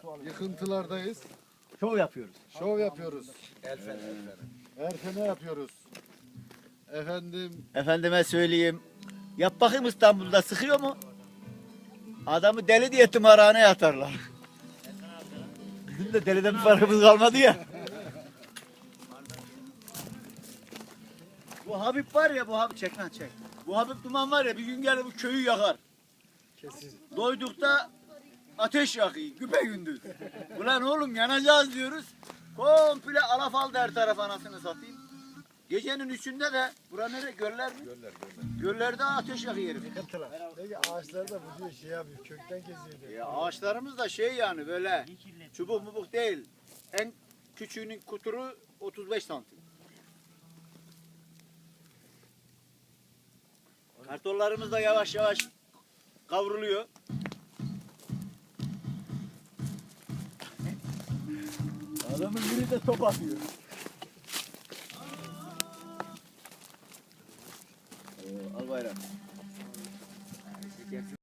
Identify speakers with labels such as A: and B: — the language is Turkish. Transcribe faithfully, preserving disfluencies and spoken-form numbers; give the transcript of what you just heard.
A: Yıkıntılardayız.
B: Şov yapıyoruz.
A: Şov yapıyoruz.
C: Elfen elfen.
A: Erfene yapıyoruz. Efendim
B: Efendime söyleyeyim. Yap bakayım İstanbul'da sıkıyor mu? Adamı deli diye tımarhaneye atarlar. Bizim de deliden bir farkımız kalmadı ya. Bu Habib var ya, bu Habib çek lan çek. Bu Habib Duman var ya, bir gün gelir bu köyü yakar.
A: kesin.
B: Doydukta ateş yakıyor güpe gündüz. Ulan oğlum yanacağız diyoruz. Komple alafaldı her taraf, anasını satayım. Gecenin üçünde de bura nere, göller mi?
C: Göller göller.
B: Göllerde ateş yakıyor herif.
A: Peki ağaçlar da bu diyor şey yapıyor. Kökten kesiyor.
B: Ya ağaçlarımız da şey yani böyle çubuk mubuk değil. En küçüğünün kuturu otuz beş santim. Kartollarımız da yavaş yavaş kavruluyor. Adamın biri de top atıyor. Ee, al bayram.